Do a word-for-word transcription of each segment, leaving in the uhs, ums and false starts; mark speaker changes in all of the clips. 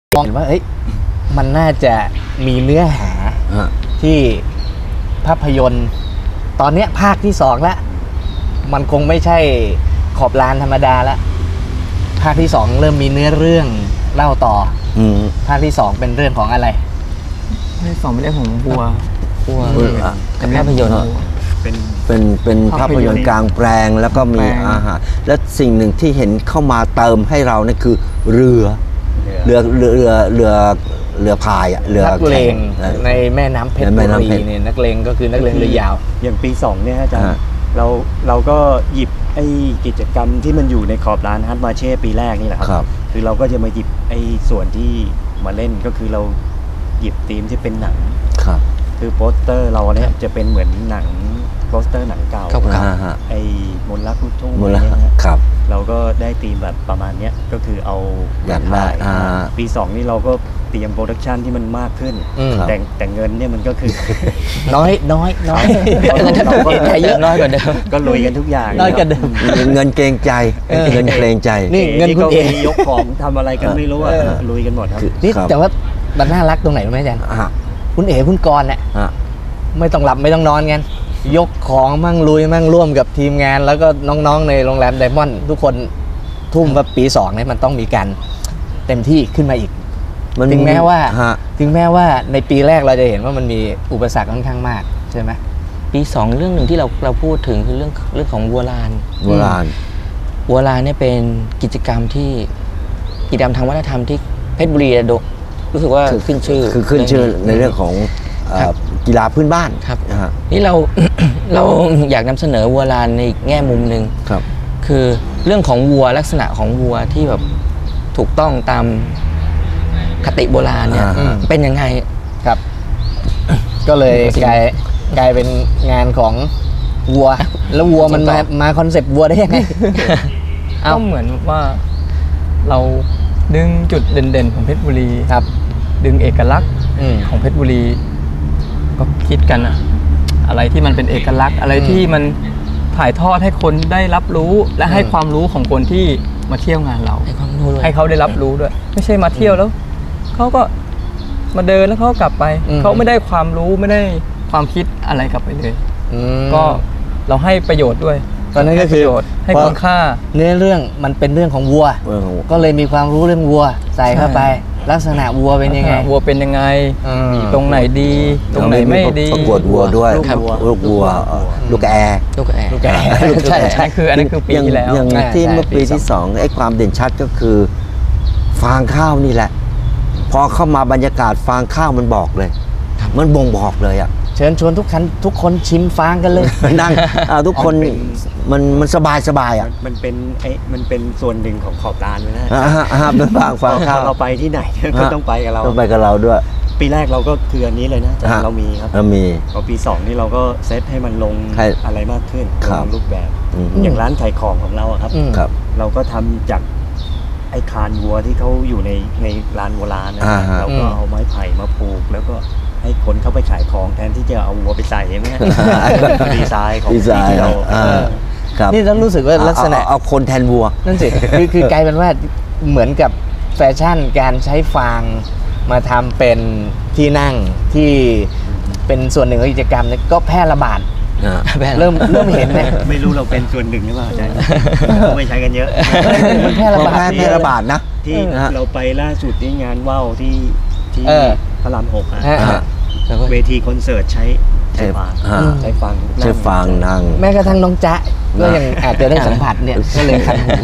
Speaker 1: มองว่าเอ้ยมันน่าจะมีเนื้อหาที่ภาพยนตร์ตอนนี้ภาคที่สองแล้วมันคงไม่ใช่ขอบลานธรรมดาแล้วภาคที่สองเริ่มมีเนื้อเรื่องเล่าต่ออืภาคที่สองเป็นเรื่องของอะไร
Speaker 2: ภาคที่สองเป็นเรื่องของบัว
Speaker 3: บัวเป็นภาพยนตร์
Speaker 4: เป็นเป็นเป็นภาพยนตร์กลางแปลงแล้วก็มีอาหารและสิ่งหนึ่งที่เห็นเข้ามาเติมให้เรานั่นคือเรือเรือเรือเรือเรือเรือพายอ่ะเรือ
Speaker 1: นักเลงในแม่น้ำเพชรบุรีเนี่ยนักเลงก็คือนักเลงเรือยาว
Speaker 5: อย่างปีสองเนี่ยอาจารย์เราเราก็หยิบไอ้กิจกรรมที่มันอยู่ในขอบลานฮัตมาเช่ปีแรกนี่แหละครับคือเราก็จะมาหยิบไอ้ส่วนที่มาเล่นก็คือเราหยิบธีมที่เป็นหนังครับคือโปสเตอร์เราเนี่ยจะเป็นเหมือนหนังโปสเตอร์หนังเก่าไอ้มนต์รักลูกทุ่งอะไรเงี้ยครับเราก็ได้ธีมแบบประมาณเนี้ยก็คือเอา
Speaker 4: อยากได้
Speaker 5: ปีสองนี่เราก็เตรียมโปรดักชันที่มันมากขึ้นแต่แต่เงินเนี่ยมันก็คือ
Speaker 1: น้อยน้อยน้อย
Speaker 5: เราก็
Speaker 1: เยอะน้อยกว่าเดิม
Speaker 5: ก็ลุยกันทุกอย่าง
Speaker 1: น้อยกว่าเดิม
Speaker 4: เงินเกรงใจเงินเกรงใจ
Speaker 1: นี่เงินคุณเอง
Speaker 5: ยกของทำอะไรกันไม่รู้อ่ะลุยกันหมดครับ
Speaker 1: นี่แต่ว่ามันน่ารักตรงไหนรู้ไหมอาจารย์คุณเอ๋คุณกรณ์เนี่ยไม่ต้องหลับไม่ต้องนอนกันยกของมั่งลุยมั่งร่วมกับทีมงานแล้วก็น้องๆในโรงแรมไดมอนด์ทุกคนทุ่มว่าปีสองเนี่ยมันต้องมีการเต็มที่ขึ้นมาอีกถึงแม้ว่าถึงแม้ว่าในปีแรกเราจะเห็นว่ามันมีอุปสรรคค่อนข้างมากใช่ไหม
Speaker 3: ปีสองเรื่องหนึ่งที่เราเราพูดถึงคือเรื่องเรื่องของวัวลาน
Speaker 4: วัวลาน
Speaker 3: วัวลานเนี่ยเป็นกิจกรรมที่กิจกรรมทางวัฒนธรรมที่เพชรบุรีรู้สึกว่าขึ้นชื่อ
Speaker 4: คือขึ้นชื่อในเรื่องของกีฬาพื้นบ้าน
Speaker 3: ครับนี่เรา เราอยากนำเสนอวัวลานในแง่มุมหนึ่งครับคือเรื่องของวัวลักษณะของวัวที่แบบถูกต้องตามคติโบราณเนี่ยเป็นยังไง
Speaker 1: ครับก็เลยกลายกลายเป็นงานของวัวแล้ววัวมันมามาคอนเซปต์วัวได้ยังไง
Speaker 2: ก็เหมือนว่าเราดึงจุดเด่นๆของเพชรบุรีครับดึงเอกลักษณ์ของเพชรบุรีก็คิดกันอะอะไรที่มันเป็นเอกลักษณ์อะไรที่มันถ่ายทอดให้คนได้รับรู้และให้ความรู้ของคนที่มาเที่ยวงานเราให้เขาได้รับรู้ด้วยไม่ใช่มาเที่ยวแล้วเขาก็มาเดินแล้วเขากลับไปเขาไม่ได้ความรู้ไม่ได้ความคิดอะไรกลับไปเลยก็เราให้ประโยชน์ด้วย
Speaker 1: ตอนนั้นก็คือ
Speaker 2: ให้คุณค่า
Speaker 1: เนื้อเรื่องมันเป็นเรื่องของวัวก็เลยมีความรู้เรื่องวัวใส่เข้าไปลักษณะวัวเป็นยังไง
Speaker 2: วัวเป็นยังไงตรงไหนดีตรงไหนไม่ดี
Speaker 4: ประกวดวัวด้วยลูกวัวลูกแอร์
Speaker 3: ลูกแอร์
Speaker 1: ลูกแอร์
Speaker 2: ใช่ใช่คืออันนั้นคือปีที่แล้ว
Speaker 4: อย่างที่เมื่อปีที่สองไอ้ความเด่นชัดก็คือฟางข้าวนี่แหละพอเข้ามาบรรยากาศฟางข้าวมันบอกเลยมันบ่งบอกเลยอ่ะ
Speaker 1: เชิญชวนทุกคนทุกคนชิมฟางกันเลย
Speaker 4: นั่งทุกคนมันมันสบายสบายอ่ะ
Speaker 5: มันเป็นไอ้มันเป็นส่วนหนึ่งของขอบลานเลยนะ
Speaker 4: ฮะเป็นฟางฟางข้าว
Speaker 5: เราไปที่ไหนก็ต้องไปกับเรา
Speaker 4: ต้องไปกับเราด้วย
Speaker 5: ปีแรกเราก็คืออันนี้เลยนะเรามีครับ
Speaker 4: เรามี
Speaker 5: พอปีสองนี่เราก็เซตให้มันลงอะไรมากขึ้นลงรูปแบบอย่างร้านขายของของเราครับเราก็ทำจากไอ้คานวัวที่เขาอยู่ในในลานวัวลานนะเราก็เอาไม้ไผ่มาผูกแล้วก็ให้คนเข้าไปขายของแทนที่จะเอาวัวไปใส่ใช่ไหมดีไซน์ของที่เรา
Speaker 1: นี่ต้องรู้สึกว่าลักษณะ
Speaker 4: เอาคนแทนวัว
Speaker 1: นั่นสิคือคือกลายเป็นว่าเหมือนกับแฟชั่นการใช้ฟางมาทำเป็นที่นั่งที่เป็นส่วนหนึ่งของกิจกรรมนี่ก็แพร่ระบาดเริ่มเริ่มเห็นไหม
Speaker 5: ไม่รู้เราเป็นส่วนหนึ่งหรือเปล่าอาจารย์ไม่ใช้กันเยอะ
Speaker 1: มันแพร่ระบาด
Speaker 4: แพร่ระบาดนะ
Speaker 5: ที่เราไปล่าสุดที่งานว่าวที่ที่พระรามหกอะเวทีคอนเสิร์ตใช้ใช้ฟางใช้ฟาง
Speaker 4: ใช้ฟางนั่ง
Speaker 1: แม้กระทั่งน้องจ๊ะก็ยังอาจจะได้สัมผัสเนี่ยก็เลยคันหู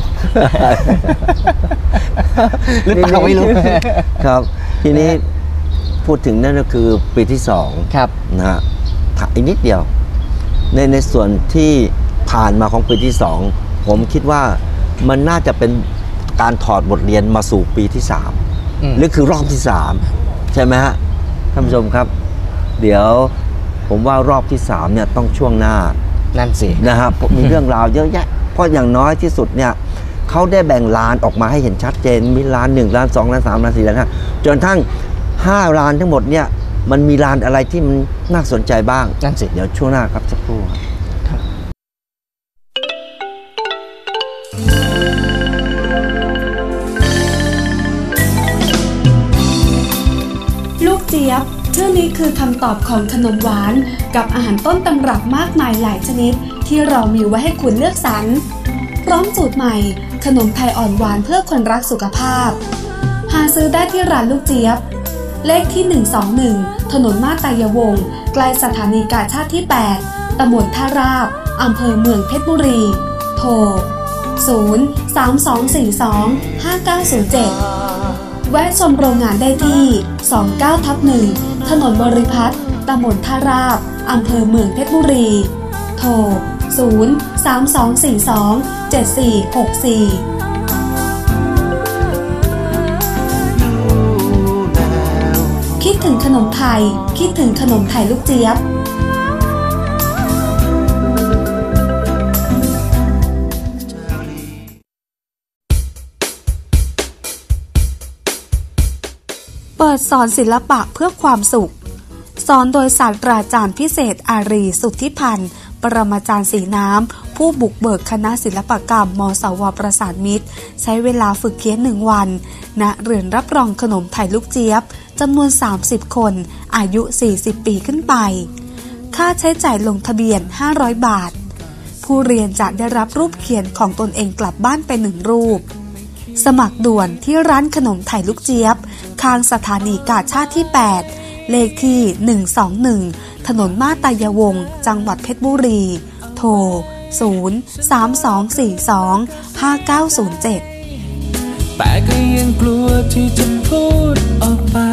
Speaker 1: หรือเปล่าไม่รู้
Speaker 4: ครับทีนี้พูดถึงนั่นก็คือปีที่สองนะฮะอีกนิดเดียวในในส่วนที่ผ่านมาของปีที่สองผมคิดว่ามันน่าจะเป็นการถอดบทเรียนมาสู่ปีที่สามหรือคือรอบที่สามใช่ไหมฮะท่านผู้ชมครับเดี๋ยวผมว่ารอบที่สามเนี่ยต้องช่วงหน้า
Speaker 1: นั่นสิ
Speaker 4: นะครับมีเรื่องราวเยอะแยะเพราะอย่างน้อยที่สุดเนี่ยเขาได้แบ่งลานออกมาให้เห็นชัดเจนมีลานหนึ่งลานสองลานสามลานสี่ลานห้าจนทั้งห้าลานทั้งหมดเนี่ยมันมีลานอะไรที่มันน่าสนใจบ้าง
Speaker 1: นั่นสิ
Speaker 4: เดี๋ยวช่วงหน้าครับสักครู่ครับ
Speaker 6: จี๊ยบชื่อนี้คือคำตอบของขนมหวานกับอาหารต้นตำรับมากมายหลายชนิดที่เรามีไว้ให้คุณเลือกสรรพร้อมสูตรใหม่ขนมไทยอ่อนหวานเพื่อคนรักสุขภาพหาซื้อได้ที่ร้านลูกเจี๊ยบเลขที่หนึ่งสองหนึ่งถนนมาตายาวงศ์ใกล้สถานีกาชาดที่แปดตำบลท่าราบอำเภอเมืองเพชรบุรีโทรศูนย์ สาม สอง สี่ สอง ห้า เก้า ศูนย์ เจ็ดแวะชมโรงงานได้ที่สองเก้าทับหนึ่งถนนบริพัตรตำบลท่าราบอำเภอเมืองเพชรบุรีโทรศูนย์ สาม สอง สี่ สอง เจ็ด สี่ หก สี่คิดถึงขนมไทยคิดถึงขนมไทยลูกเจี๊ยบเปิดสอนศิลปะเพื่อความสุขสอนโดยศาสตราจารย์พิเศษอารีสุทธิพันธ์ปรมาจารย์สีน้ำผู้บุกเบิกคณะศิลปกรรมมสวประสานมิตรใช้เวลาฝึกเขียนหนึ่งวันณเรือนรับรองขนมไทยลูกเจี๊ยบจำนวนสามสิบคนอายุสี่สิบปีขึ้นไปค่าใช้จ่ายลงทะเบียนห้าร้อยบาทผู้เรียนจะได้รับรูปเขียนของตนเองกลับบ้านไปหนึ่งรูปสมัครด่วนที่ร้านขนมไทยลูกเจี๊ยบข้างสถานีกาชาดที่แปดเลขที่หนึ่งสองหนึ่งถนนมาตายาวงศ์จังหวัดเพชรบุรีโทรศูนย์ สาม สอง สี่ สอง ห้า เก้า ศูนย์ เจ็ด
Speaker 7: แต่ก็ยังกลัวที่จะพูดออกไป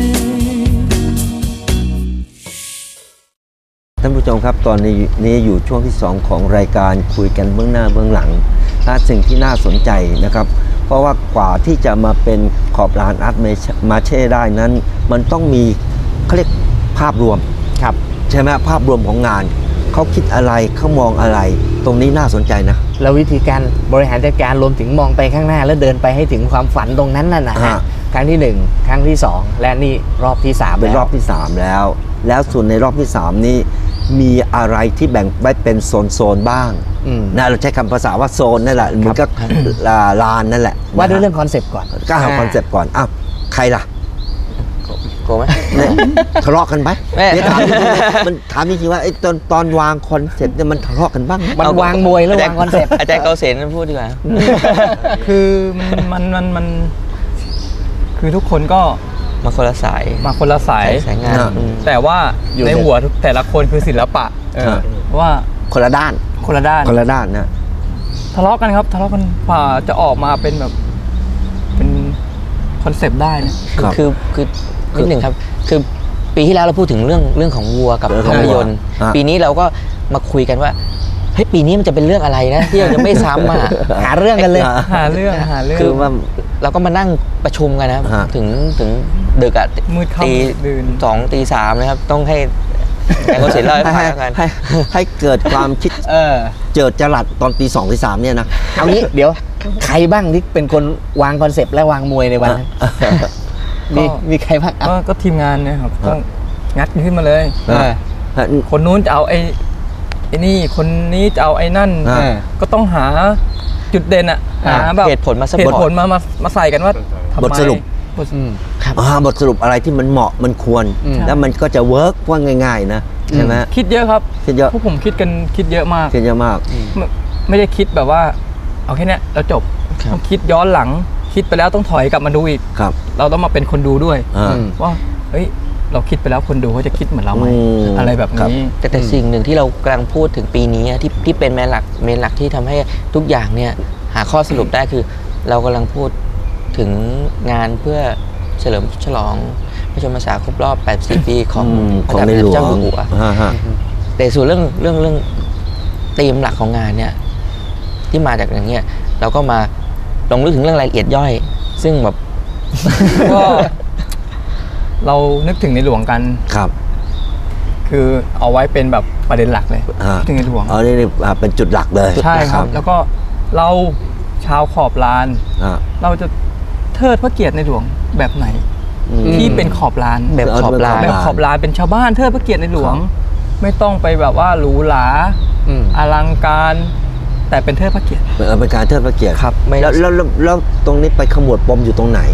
Speaker 4: ท่านผู้ชมครับตอนนี้นี้อยู่ช่วงที่สองของรายการคุยกันเบื้องหน้าเบื้องหลังถ้าสิ่งที่น่าสนใจนะครับเพราะว่ากว่าที่จะมาเป็นขอบลานอาร์ตมาเช่ได้นั้นมันต้องมีเขาเรียกภาพรวมครับใช่ไหมภาพรวมของงานเขาคิดอะไรเขามองอะไรตรงนี้น่าสนใจนะ
Speaker 1: แล้ววิธีการบริหารจัดการรวมถึงมองไปข้างหน้าแล้วเดินไปให้ถึงความฝันตรงนั้นน่ะนะฮะครั้งที่หนึ่งครั้งที่สองและนี่รอบที่สาม
Speaker 4: เป็นรอบที่สามแล้วแล้วส่วนในรอบที่สามนี้มีอะไรที่แบ่งไว้เป็นโซนๆบ้างนะเราใช้คำภาษาว่าโซนนั่นแหละเหมือนกับลานนั่นแหละ
Speaker 1: ว่าด้วยเรื่องคอนเซปต์ก่อน
Speaker 4: ก็หาคอนเซปต์ก่อนอ้าวใครล่ะ
Speaker 3: โกไหม
Speaker 4: ทะเลาะกันไหมเนี่ยถามมันถามจริงๆว่าไอ้ตอนตอนวางคอนเซปต์เนี่ยมันทะเลาะกันบ้าง
Speaker 1: มันวางมวยแล้ววางคอนเซปต์
Speaker 3: อาจารย์เกษมพูดดีกว่า
Speaker 2: คือมันมันมันมันคือทุกคนก็
Speaker 3: มาคนละสาย
Speaker 2: มาคนละสาย
Speaker 3: สายงาน
Speaker 2: แต่ว่าในหัวแต่ละคนคือศิลปะว่า
Speaker 4: คนละด้าน
Speaker 2: คนละด้าน
Speaker 4: คนละด้านนะ
Speaker 2: ทะเลาะกันครับทะเลาะกันกว่าจะออกมาเป็นแบบเป็นคอนเซปต์ได้เนี่ย
Speaker 3: คือคือนิดหนึ่งครับคือปีที่แล้วเราพูดถึงเรื่องเรื่องของวัวกับภาพยนตร์ปีนี้เราก็มาคุยกันว่าเฮ้ยปีนี้มันจะเป็นเรื่องอะไรนะที่เราจะไม่ซ้ำอ่ะ
Speaker 1: หาเรื่องกันเลย
Speaker 2: หาเรื่องหาเรื่อง
Speaker 3: คือว่าเราก็มานั่งประชุมกันนะถึงถึงดึกอ่ะตีสองตีสามนะครับต้องให้แต่ก็เสร็จแล้วให้กัน
Speaker 4: ให้เกิดความคิดเจิดจรัสตอนตีสองตีสามเนี่ยนะ
Speaker 1: เอางี้เดี๋ยวใครบ้างที่เป็นคนวางคอนเซปต์และวางมวยในวันนั้นมีมีใครบ้าง
Speaker 2: ก็ทีมงานนะครับต้องงัดขึ้นมาเลยคนนู้นจะเอาไอ้ไอ้นี่คนนี้จะเอาไอ้นั่นก็ต้องหาจุดเด่นอะหาแบบ
Speaker 3: เหตุผลมา
Speaker 2: เหตุผลมามามาใส่กันว่า
Speaker 4: บทสรุปบทสรุปอะไรที่มันเหมาะมันควรแล้วมันก็จะเวิร์กว่าง่ายๆนะใช่ไหม
Speaker 2: คิดเยอะครับ
Speaker 4: คิดเยอะ
Speaker 2: พวกผมคิดกันคิดเยอะมาก
Speaker 4: คิดเยอะมาก
Speaker 2: ไม่ได้คิดแบบว่าเอาแค่นี้แล้วจบต้องคิดย้อนหลังคิดไปแล้วต้องถอยกลับมาดูอีกเราต้องมาเป็นคนดูด้วยว่าเฮ้ยเราคิดไปแล้วคนดูเขาจะคิดเหมือนเราไหมอะไรแบบนี้
Speaker 3: แต่แต่สิ่งหนึ่งที่เรากำลังพูดถึงปีนี้ที่ที่เป็นเมนหลักเมนหลักที่ทำให้ทุกอย่างเนี่ยหาข้อสรุปได้คือเรากำลังพูดถึงงานเพื่อเฉลิมฉลองพระชนมพรรษาครบรอบแปดสิบปีของ
Speaker 4: ของในหลวง
Speaker 3: เจ้าอยู่หัวแต่ส่วนเรื่องเรื่องเรื่องธีมหลักของงานเนี่ยที่มาจากอย่างเงี้ยเราก็มาลงลึกถึงเรื่องรายละเอียดย่อยซึ่งแบบ
Speaker 2: ก็เรานึกถึงในหลวงกัน
Speaker 4: ครับ
Speaker 2: คือเอาไว้เป็นแบบประเด็นหลักเลยถึงในหลวง
Speaker 4: เอานี่เป็นจุดหลักเลย
Speaker 2: ใช่ครับแล้วก็เราชาวขอบลานเราจะเทิดพระเกียรติในหลวงแบบไหนที่เป็นขอบลาน
Speaker 3: แบบขอบลาน
Speaker 2: แบบขอบลานเป็นชาวบ้านเทิดพระเกียรติในหลวงไม่ต้องไปแบบว่าหรูหราอลังการแต่เป็นเทิดพระเกียรติ
Speaker 4: เป็นการเทิดพระเกียรติ
Speaker 3: ครับ
Speaker 4: แล้วแล้วแล้วตรงนี้ไปขมวดปมอยู่ตรงไหน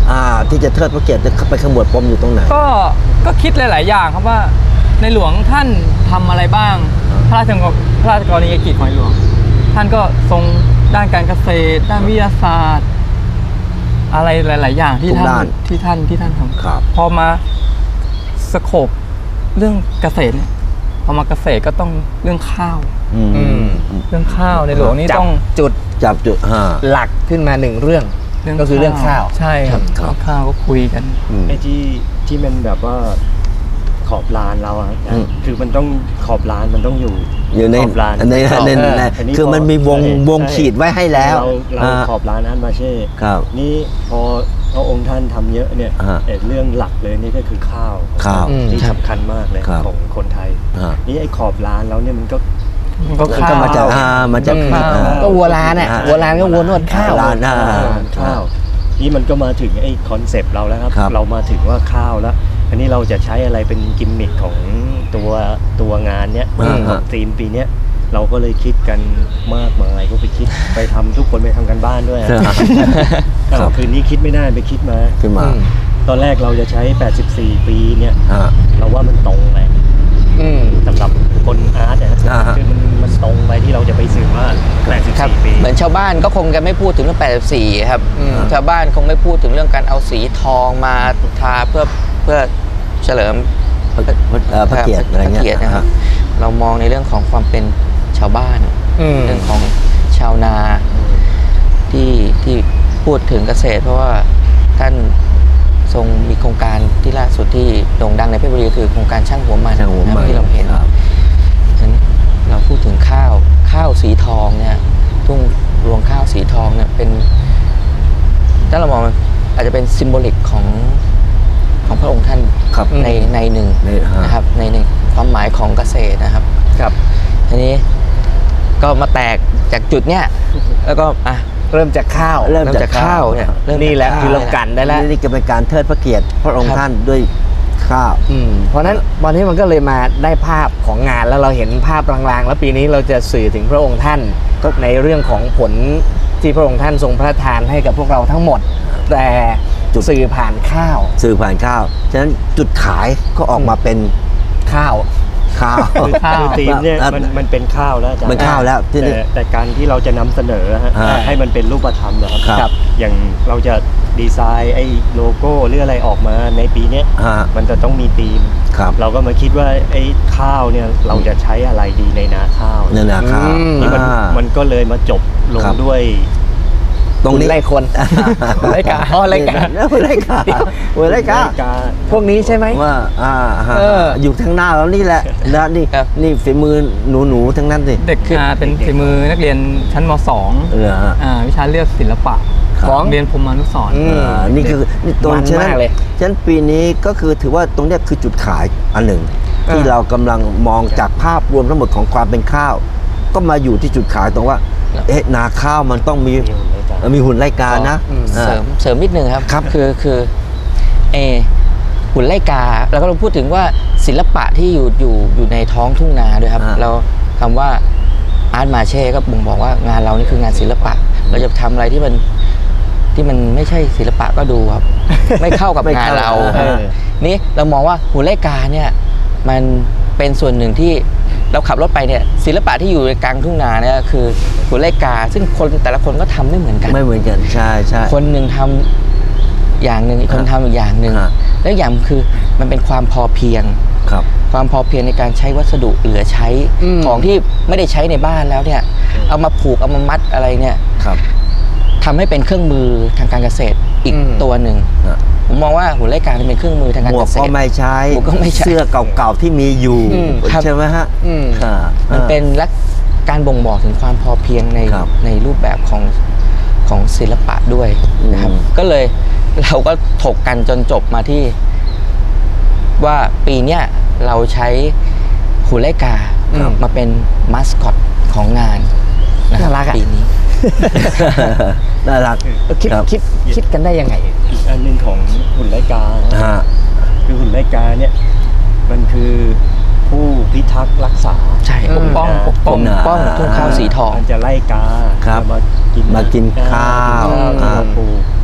Speaker 4: อ่าที่จะเทิดพระเกียรติจะไปขมวดปมอยู่ตรงไหน
Speaker 2: ก็ก็คิดหลาย ๆ อย่างครับว่าในหลวงท่านทำอะไรบ้างพระราชพระราชกรณียกิจของในหลวงท่านก็ทรงด้านการเกษตรด้านวิทยาศาสตร์อะไรหลาย ๆ อย่างที่ท่านที่ท่านที่ท่านทำพอมาสโคปเรื่องเกษตรเนี่ยพอมาเกษตรก็ต้องเรื่องข้าวเรื่องข้าวในหลวงนี่ต้อง
Speaker 1: จุด
Speaker 4: จับจุด
Speaker 1: หลักขึ้นมาหนึ่งเรื่องก็คือเรื่องข้าว
Speaker 2: ใช่ครับข้าวก็คุยกัน
Speaker 5: ไอ้ที่ที่มันแบบว่าขอบลานเราอะคือมันต้องขอบลานมันต้องอยู่
Speaker 4: อยู่ใน
Speaker 5: ขอบลาน
Speaker 4: ในในคือมันมีวงวงขีดไว้ให้แล้ว
Speaker 5: เราขอบลานอันมาเช่นี่พอพระองค์ท่านทำเยอะเนี่ยเรื่องหลักเลยนี่ก็คือข้าว
Speaker 4: ข้าว
Speaker 5: ที่สำคัญมากเลยของคนไทยนี่ไอ้ขอบลานเราเนี่ยมันก็
Speaker 2: มันก็ข้าว
Speaker 4: มาจากมาจาก
Speaker 1: ก็วัวลานเนี่ยวัวลานก็วัวนวดข้าว
Speaker 4: ลาน
Speaker 5: ข้าวนี่มันก็มาถึงไอ้คอนเซปต์เราแล้วครับเรามาถึงว่าข้าวแล้วอันนี้เราจะใช้อะไรเป็นกิมมิคของตัวตัวงานเนี้ยของธีมปีเนี้ยเราก็เลยคิดกันมากมายก็ไปคิดไปทำทุกคนไปทำกันบ้านด้วยคืนนี้คิดไม่ได้ไปคิดมา
Speaker 4: ขึ้นมา
Speaker 5: ตอนแรกเราจะใช้แปดสิบสี่ปีเนี่ยเราว่ามันตรงเลยสำหรับคนอาร์ตเนี่ยคือมันมันตรงไปที่เราจะไปสื่อว่าแปดสิบสี่ปี
Speaker 3: เหมือนชาวบ้านก็คงจะไม่พูดถึงเรื่องแปดสิบสี่ครับชาวบ้านคงไม่พูดถึงเรื่องการเอาสีทองมาทาเพื่อเพื่อเฉลิม
Speaker 4: พระเกียรติอะไรเงี้ย
Speaker 3: นะครับเรามองในเรื่องของความเป็นชาวบ้านเรื่องของชาวนาที่ที่พูดถึงเกษตรเพราะว่าท่านทรงมีโครงการที่ล่าสุดที่โด่งดังในเพชรบุรีคือโครงการช่างหัวมันที่เราเห็นฉะนั้นเราพูดถึงข้าวข้าวสีทองเนี่ยทุ่งรวงข้าวสีทองเนี่ยเป็นถ้าเรามองอาจจะเป็นซิมโบลิกของของพระองค์ท่านในในหนึ่งนะครับในในความหมายของเกษตรนะครับ
Speaker 1: ครับ
Speaker 3: ทีนี้ก็มาแตกจากจุดเนี้ยแล้วก็อ่ะ
Speaker 1: เริ่มจากข้าว
Speaker 3: เริ่มจากข้าวเนี่ย
Speaker 1: นี่แหละคือเรากันได้แล้ว
Speaker 4: นี่ก็เป็นการเทิดพระเกียรติพระองค์ท่านด้วยข้าว
Speaker 1: เพราะนั้นวันนี้มันก็เลยมาได้ภาพของงานแล้วเราเห็นภาพลางๆแล้วปีนี้เราจะสื่อถึงพระองค์ท่านก็ในเรื่องของผลที่พระองค์ท่านทรงพระทานให้กับพวกเราทั้งหมดแต่สื่อผ่านข้าว
Speaker 4: สื่อผ่านข้าวฉะนั้นจุดขายก็ออกมาเป็น
Speaker 1: ข้าว
Speaker 4: ข้าว
Speaker 5: คือธีมเนี่ยมันมันเป็นข้าวแล้ว
Speaker 4: มันข้าวแล้ว
Speaker 5: แต่แต่การที่เราจะนำเสนอฮะให้มันเป็นรูปธรรมนะครับอย่างเราจะดีไซน์ไอ้โลโก้หรืออะไรออกมาในปีนี้มันจะต้องมีธีมเราก็มาคิดว่าไอ้ข้าวเนี่ยเราจะใช้อะไรดีในนาข้าว
Speaker 4: ในนาข้าว
Speaker 5: นี่มันมันก็เลยมาจบลงด้วย
Speaker 1: ตรงนี้ไล่คนไล่กาอ๋อไล่กา
Speaker 4: ไล่กาไล่กา
Speaker 1: พวกนี้ใช่ไหม
Speaker 4: ว่าอ่าอยู่ทางหน้าแล้วนี่แหละนะนี่นี่ฝีมือหนูหนูทั้งนั้นสิ
Speaker 2: เด็กคือเป็นฝีมือนักเรียนชั้นม.สองอ่าวิชาเลือกศิลปะของเรียนพรหมานุสรณ์
Speaker 4: นี่คือนี่ตรงฉะนั้นฉะนั้นปีนี้ก็คือถือว่าตรงนี้คือจุดขายอันหนึ่งที่เรากำลังมองจากภาพรวมทั้งหมดของความเป็นข้าวก็มาอยู่ที่จุดขายตรงว่าเอ๊ะนาข้าวมันต้องมีมีหุ่นไล่กานะ
Speaker 3: เสริมเสริมนิดนึงครับครับคือคือเอหุ่นไล่กาแล้วก็เราพูดถึงว่าศิลปะที่อยู่อยู่อยู่ในท้องทุ่งนาด้วยครับเราคำว่าอาร์ตมาเช่ก็บ่งบอกว่างานเรานี่คืองานศิลปะเราจะทำอะไรที่มันที่มันไม่ใช่ศิลปะก็ดูครับไม่เข้ากับงานเรานี่เรามองว่าหุ่นไล่กาเนี่ยมันเป็นส่วนหนึ่งที่เราขับรถไปเนี่ยศิลปะที่อยู่ในกลางทุ่งนาเนี่ยคือหุ่นไล่กาซึ่งคนแต่ละคนก็ทำไม่เหมือนกัน
Speaker 4: ไม่เหมือนกันใช่ใช่
Speaker 3: คนหนึ่งทำอย่างหนึ่งอีกคนทำอีกอย่างหนึ่งแล้วอย่างคือมันเป็นความพอเพียง
Speaker 4: ครับ
Speaker 3: ความพอเพียงในการใช้วัสดุเหลือใช้ของที่ไม่ได้ใช้ในบ้านแล้วเนี่ยเอามาผูกเอามามัดอะไรเนี่ย
Speaker 4: ครับ
Speaker 3: ทำให้เป็นเครื่องมือทางการเกษตรอีกตัวหนึ่งผมมองว่าหุ่นไล่กาเป็นเครื่องมือทางการเกษตร
Speaker 4: หมวกก็ไม่ใช้เสื้อเก่าๆที่มีอยู่ใช่ไหมฮะ
Speaker 3: มันเป็นลักการบ่งบอกถึงความพอเพียงในในรูปแบบของของศิลปะด้วยนะครับก็เลยเราก็ถกกันจนจบมาที่ว่าปีเนี้ยเราใช้หุ่นไล่กามาเป็นมาสคอตของงานนะครับปีนี้
Speaker 4: น่ารัก
Speaker 1: คิดคิดคิดกันได้ยังไง
Speaker 5: อีกอันหนึ่งของหุ่นไล่กาคือหุ่นไล่กาเนี่ยมันคือผู้พิทักษ์รักษา
Speaker 3: ใช่ปกป้องปกป้องป้องทุ่งข้าวสีทอง
Speaker 5: มันจะไล่กา
Speaker 4: มากินมากินข้าว
Speaker 5: มาปลูก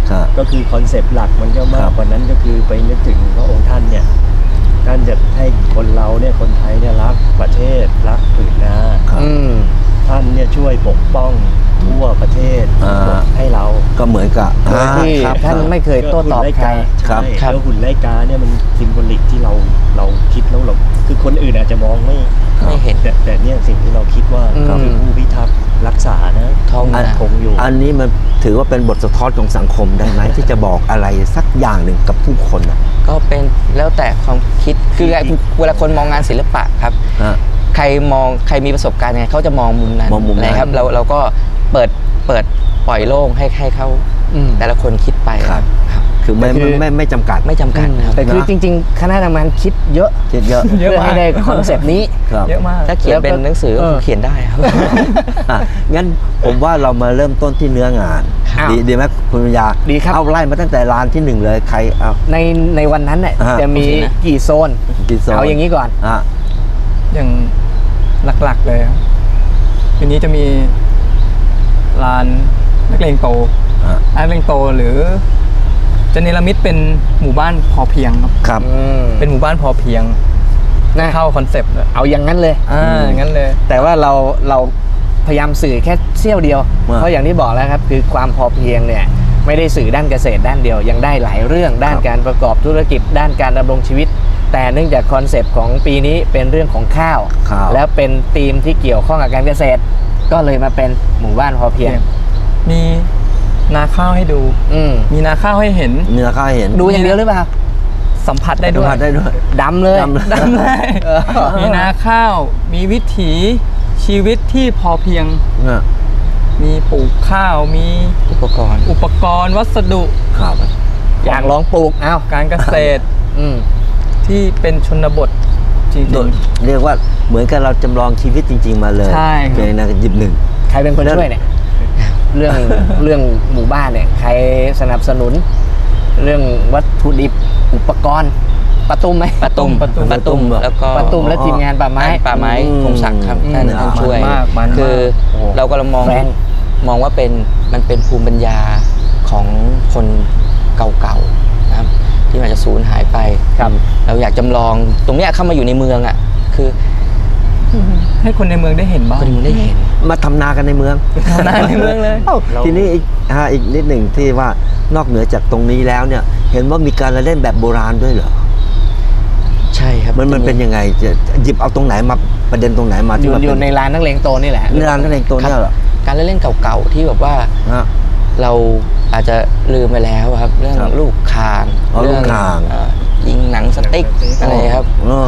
Speaker 5: ก็คือคอนเซปต์หลักมันก็มากกว่านั้นก็คือไปนึกถึงพระองค์ท่านเนี่ยท่านจะให้คนเราเนี่ยคนไทยเนี่ยรักประเทศรักผืนนาท่านเนี่ยช่วยปกป้องทั่วประเทศให้เรา
Speaker 4: ก็เหมือนกับ
Speaker 1: ที่ท่านไม่เคยโต้ตอบใคร
Speaker 5: ครับแล้วหุ่นไล่กาเนี่ยมันซิมโบลิกที่เราเราคิดแล้วเราคือคนอื่นอาจจะมองไม่
Speaker 3: ไม่เห็น
Speaker 5: แต่แต่เนี่ยสิ่งที่เราคิดว่าคือผู้พิทักษ์รักษานะ
Speaker 3: ท้อง
Speaker 5: คงอยู่
Speaker 4: อันนี้มันถือว่าเป็นบทสะท้อนของสังคมได้ไหม ที่จะบอกอะไรสักอย่างหนึ่งกับผู้คนนะ
Speaker 3: ก็เป็นแล้วแต่ความคิดคือเวลาคนมองงานศิลปะครับใครมองใครมีประสบการณ์ไงเขาจะมองมุมนั้นนะครับเราเราก็เปิดเปิดปล่อยโล่งให้ให้เขาแต่ละคนคิดไปครับ
Speaker 4: คือไม่ไม่ไม่จำกัด
Speaker 3: ไม่จำกัด
Speaker 1: แต่คือจริงๆคณะทำงานคิดเยอะ
Speaker 4: คิดเยอะ
Speaker 1: เพื่อให้ได้คอนเซปต์นี้
Speaker 2: เยอะมาก
Speaker 3: ถ้าเขียนเป็นหนังสือก็เขียนได้ครับ
Speaker 4: งั้นผมว่าเรามาเริ่มต้นที่เนื้องานดีดีไหมคุณปัญญา
Speaker 1: ดีครับ
Speaker 4: เอาไล่มาตั้งแต่ร้านที่หนึ่งเลยใครเอา
Speaker 1: ในในวันนั้นเนี่ยจะมีกี่โซนเอาอย่างนี้ก่อน
Speaker 2: อย่างหลักๆเลยทีนี้จะมีลานนักเลงโตนักเลงโตหรือจะเนรมิตเป็นหมู่บ้านพอเพียงครับ
Speaker 4: ครับ
Speaker 2: เป็นหมู่บ้านพอเพียงเข้าคอนเซปต์
Speaker 1: เอาอย่างนั้นเลย
Speaker 2: อ่าอย่างนั้นเลย
Speaker 1: แต่ว่าเราเราพยายามสื่อแค่เสี้ยวเดียวเพราะอย่างที่บอกแล้วครับคือความพอเพียงเนี่ยไม่ได้สื่อด้านเกษตรด้านเดียวยังได้หลายเรื่องด้านการประกอบธุรกิจด้านการดำรงชีวิตแต่เนื่องจากคอนเซปต์ของปีนี้เป็นเรื่องของข้าวแล้วเป็นธีมที่เกี่ยวข้องกับการเกษตรก็เลยมาเป็นหมู่บ้านพอเพียง
Speaker 2: มีนาข้าวให้ดูมีนาข้าวให้เห็น
Speaker 4: มีนาข้าวให้เห็น
Speaker 1: ดูอย่างเดียวหรือเปล่า
Speaker 2: สัมผัสได้ด้วย
Speaker 4: สัมผัสได้ด้วย
Speaker 1: ดำเลย
Speaker 2: ดำเลยมีนาข้าวมีวิถีชีวิตที่พอเพียงมีปลูกข้าวมี
Speaker 3: อุปกรณ์
Speaker 2: อุปกรณ์วัสดุ
Speaker 4: ครับ
Speaker 1: อยากลองปลูกอ้าว
Speaker 2: การเกษตรที่เป็นชนบทจริง
Speaker 4: ๆเรียกว่าเหมือนกับเราจำลองชีวิตจริงๆมาเลย
Speaker 2: ใช่
Speaker 4: เป็นนะหยิบหนึ่ง
Speaker 1: ใครเป็นคนช่วยเนี่ยเรื่องเรื่องหมู่บ้านเนี่ยใครสนับสนุนเรื่องวัตถุดิบอุปกรณ์ปะตุ้มไหม
Speaker 3: ปะตุ้มปะตุ้มปะตุ้มแล้วก็
Speaker 1: ปะตุ้มและทีมงานป่าไม้
Speaker 3: ป่าไม้คงศักดิ์ครับท่านช่วยคือเราก็เรามองมองว่าเป็นมันเป็นภูมิปัญญาของคนเก่าๆนะครับที่มันจะสูญหายไปเราอยากจำลองตรงนี้เข้ามาอยู่ในเมืองอ่ะคือ
Speaker 2: ให้คนในเมืองได้เห็นบ้าง
Speaker 3: ได้เห็น
Speaker 4: มาทำนากันในเมือง
Speaker 2: ทำนาในเมืองเลย
Speaker 4: ทีนี้อีกอีกนิดหนึ่งที่ว่านอกเหนือจากตรงนี้แล้วเนี่ยเห็นว่ามีการเล่นแบบโบราณด้วยเหรอ
Speaker 3: ใช่ครับ
Speaker 4: มันมันเป็นยังไงจะหยิบเอาตรงไหนมาประเด็นตรงไหนมา
Speaker 1: อยู่อยู่ในร้านนักเลงโตนี่แหละ
Speaker 4: ในร้านนักเลงโตนี่เหรอ
Speaker 3: การเล่นเก่าๆที่แบบว่าเราอาจจะลืมไปแล้วครับเรื่องลูกคาง
Speaker 4: เรื่อง
Speaker 3: ยิงหนังสติ๊กอะไรครับ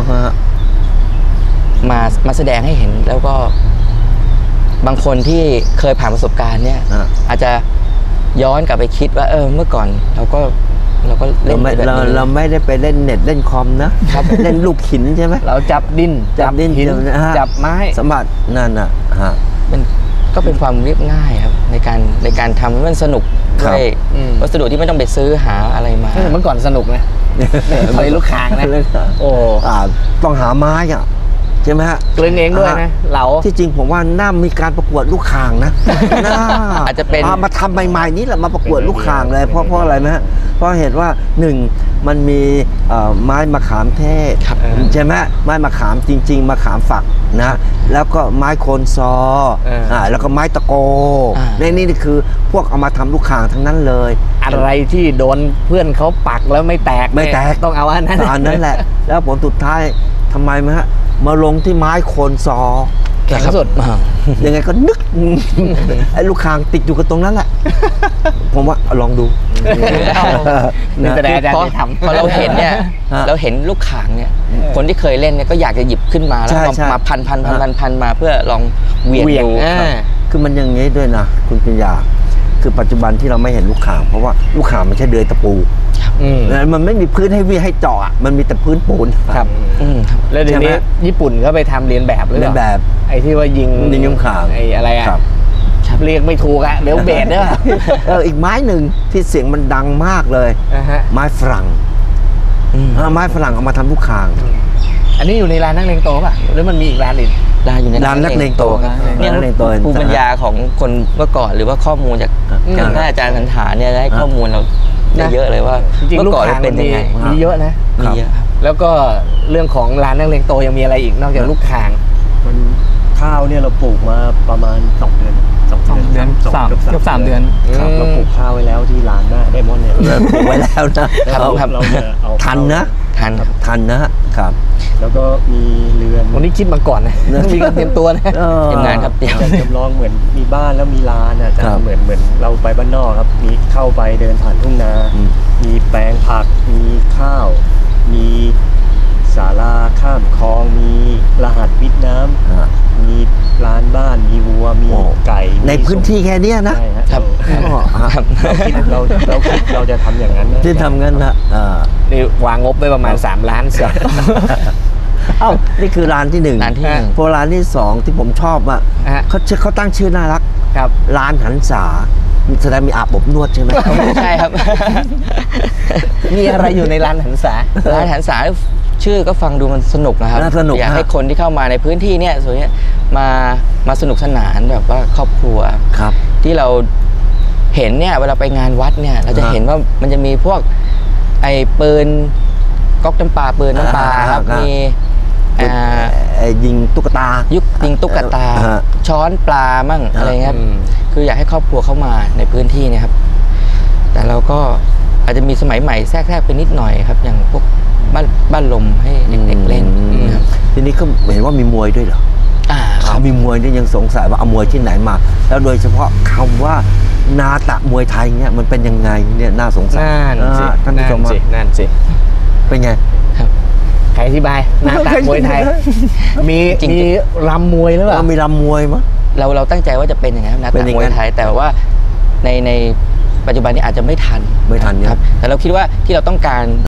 Speaker 3: มามาแสดงให้เห็นแล้วก็บางคนที่เคยผ่านประสบการณ์เนี่ยอาจจะย้อนกลับไปคิดว่าเออเมื่อก่อนเราก็เราก็เล่นแบบนี้
Speaker 4: เราเราไม่ได้ไปเล่นเน็ตเล่นคอมนะครับเล่นลูกหินใช่ไหม
Speaker 1: เราจับดิน
Speaker 4: จับดิน
Speaker 1: จับไม้
Speaker 4: สมบัตินั่นน่ะฮะ
Speaker 3: มันก็เป็นความเรียบง่ายครับในการในการทำให้มันสนุกด้วยวัสดุที่ไม่ต้องไปซื้อหาอะไรมา
Speaker 1: เมื่อก่อนสนุกนะไปลูกคางนะ
Speaker 4: โอ้ต้องหาไม้อ่ะใช่ไหมฮะ
Speaker 1: กลืนเองด้วยนะเหลา
Speaker 4: ที่จริงผมว่าน่ามีการประกวดลูกคางนะน่า
Speaker 3: อาจจะเป็น
Speaker 4: มาทำใหม่ๆนี้แหละมาประกวดลูกคางเลยเพราะเพราะอะไรไหมฮะเพราะเหตุว่าหนึ่งมันมีไม้มะขามเทศใช่ไหมไม้มะขามจริงๆมะขามฝักนะแล้วก็ไม้โคนซออ่าแล้วก็ไม้ตะโกในนี่คือพวกเอามาทำลูกคางทั้งนั้นเลย
Speaker 1: อะไรที่โดนเพื่อนเขาปักแล้วไม่แตก
Speaker 4: ไม่แตก
Speaker 1: ต้องเอาอันนั้น
Speaker 4: อันนั้นแหละแล้วผลสุดท้ายทำไมไหมฮะมาลงที่ไม้โคนซอ
Speaker 1: แข็งสุด
Speaker 4: ยังไงก็นึกไอ้ลูกคางติดอยู่กับตรงนั้นแหละผมว่าลองดู
Speaker 1: แต่อาจารย์
Speaker 3: ทำพอเราเห็นเนี่ยเราเห็นลูกคางเนี่ยคนที่เคยเล่นเนี่ยก็อยากจะหยิบขึ้นมาแล้วมาพันพันพันพันพันมาเพื่อลองเวียงดู
Speaker 4: คือมันอย่างงี้ด้วยนะคุณปัญญาคือปัจจุบันที่เราไม่เห็นลูกคางเพราะว่าลูกคางมันใช่เดือยตะปูมันไม่มีพื้นให้วิ่งให้เจาะมันมีแต่พื้นปูน
Speaker 1: ครับแล้วเดี๋ยวนี้ญี่ปุ่นก็ไปทำเรียนแบบเลย
Speaker 4: เรียนแบบ
Speaker 1: ไอ้ที่ว่ายิง
Speaker 4: ยิงลูกคาง
Speaker 1: ไอ้อะไรอ่ะเรียกไม่ถูกอ่ะเดี๋ยวเบสเด้อ
Speaker 4: เอออีกไม้หนึ่งที่เสียงมันดังมากเลยไม้ฝรั่งไม้ฝรั่งเอามาทำลูกคาง
Speaker 1: อันนี้อยู่ในร้านนักเลงโตป่ะหรือมันมีอีกร้านอื่น
Speaker 3: ลานอยู่ใน
Speaker 4: ลานนักเลงโต
Speaker 3: ครับ
Speaker 4: เนี่ย
Speaker 3: เนี่ย
Speaker 4: นักเลงโต
Speaker 3: ภูมิปัญญาของคนเมื่อก่อนหรือว่าข้อมูลจาก
Speaker 1: อืม
Speaker 3: ท่านอาจารย์สันฐานเนี่ยได้ข้อมูลเราได้เยอะเลยว่า
Speaker 1: จริงๆ
Speaker 3: เมื่
Speaker 1: ลู
Speaker 3: อก ก่อน
Speaker 1: ค้าง
Speaker 3: เป็นยังไง
Speaker 1: มีมีเยอะนะ
Speaker 3: มีเยอะครับ
Speaker 1: แล้วก็เรื่องของร้านนักเลงโตยังมีอะไรอีกนอกจากลูกข่าง
Speaker 5: มันข้าวเนี่ยเราปลูกมาประมาณสองเดือนสอง
Speaker 2: สองเดือนสาม
Speaker 5: กือบ
Speaker 2: เกือบสามเดือน
Speaker 5: ครับ
Speaker 1: อืม
Speaker 5: เราปลูกข้าวไว้แล้วที่ร้านหน้าไดมอนด์เนี่ย
Speaker 4: ปลูกไว้แล้วนะครับ
Speaker 3: ครับ
Speaker 5: เราจะเอา
Speaker 4: ทันนะ
Speaker 3: ทันครับ
Speaker 4: ทันนะครับ
Speaker 5: แล้วก็มีเรือน
Speaker 1: วันนี้คิดมาก่อนนะต้องมีการเตรียมตัวนะ
Speaker 4: เออ
Speaker 3: เตรียมงานครับเตรียม
Speaker 5: จะจำลองเหมือนมีบ้านแล้วมีลานอ่ะจะ
Speaker 4: ครับ
Speaker 5: เหมือนเหมือนเราไปบ้านนอกครับมีเข้าไปเดินผ่านทุ่งนา
Speaker 4: อืม
Speaker 5: มีแปลงผักมีข้าว มีศาลาข้ามคลอง มีรหัสวิทย์น้ำ
Speaker 4: ฮะ
Speaker 5: มีร้านบ้านมีวัวมี
Speaker 4: โอ้
Speaker 5: ไก่มี
Speaker 4: ในพื้นที่แค่เนี้ยนะ
Speaker 5: ใช่ฮะ
Speaker 3: ครับ
Speaker 4: อ๋อฮะ
Speaker 5: เราคิดเราเราคิดเราจะทำอย่างนั้นนะ
Speaker 4: ที่ทำงั้นนะอ่า
Speaker 1: นี่วางงบไปประมาณสามล้านเสีย
Speaker 4: เอ้านี่คือร้านที่หนึ่ง
Speaker 3: ร้านที่หนึ่ง
Speaker 4: พอร้านที่สองที่ผมชอบอ่ะ
Speaker 1: ฮะ
Speaker 4: เขาชื่อเขาตั้งชื่อน่ารัก
Speaker 1: ครับ
Speaker 4: ร้านหันษาแสดงมีอาบอบนวดใช่ไหม
Speaker 3: ไม่ใช่ครับ
Speaker 1: มีอะไรอยู่ในร้านหันษา
Speaker 3: ร้านหันษาชื่อก็ฟังดูมันสนุกนะครับ
Speaker 4: น่าสนุก
Speaker 3: อยากให้
Speaker 4: ฮะ
Speaker 3: คนที่เข้ามาในพื้นที่เนี่ยส่วนเนี้ยมามาสนุกสนานแบบว่าครอบครัว
Speaker 4: ครับ
Speaker 3: ที่เราเห็นเนี่ยเวลาไปงานวัดเนี่ยเราจะ
Speaker 4: ฮะ
Speaker 3: เห็นว่ามันจะมีพวกไอ้ปืนก๊อกน้ำปลาปืนน้ำปลา
Speaker 4: อ่า
Speaker 3: ครับ
Speaker 4: ครับ
Speaker 3: มีอ่า
Speaker 4: เอ่อยิงตุ๊กตา
Speaker 3: ยุกยิงตุ๊กตา
Speaker 4: ฮะ
Speaker 3: ช้อนปลามั่ง
Speaker 4: ฮะ
Speaker 3: อะไรเงี้ยครับ
Speaker 1: อืม
Speaker 3: คืออยากให้ครอบครัวเข้ามาในพื้นที่เนะครับ แต่เราก็อาจจะมีสมัยใหม่แทรกแทรกไปนิดหน่อยครับ อย่างพวกบ้านบ้านลมให้เด็กๆเล่น
Speaker 4: อืม
Speaker 3: นะครับ
Speaker 4: ทีนี้ก็เห็นว่ามีมวยด้วยเหรอ
Speaker 3: อ่าครับ
Speaker 4: มีมวยเนี่ยยังสงสัยว่าเอามวยที่ไหนมา แล้วโดยเฉพาะคำว่านาตะมวยไทยเนี่ยมันเป็นยังไงเนี่ยน่าสงสัย
Speaker 1: นั่นสิ
Speaker 4: อ่าท่านผู้
Speaker 1: นั่
Speaker 4: ชม
Speaker 1: นสิ
Speaker 4: ฮะ
Speaker 1: นั่นสิ
Speaker 4: เป็นไง
Speaker 1: ใครอธิบายหน้าตามวยไทย มี
Speaker 3: จริงๆ
Speaker 1: มีรำมวยหรือเปล่า
Speaker 4: เรามีรำมวยมั้ย
Speaker 3: เราเราตั้งใจว่าจะเป็นอย่างนั้นนะ
Speaker 4: เป็น
Speaker 3: แต่
Speaker 4: อย่าง
Speaker 3: ม
Speaker 4: นั้
Speaker 3: วย
Speaker 4: น
Speaker 3: ไทยแต่ว่าในในปัจจุบันนี้อาจจะไม่ทัน
Speaker 4: ไม่ทันเนี่ย
Speaker 3: ครับ แต่เราคิดว่าที่เราต้องการ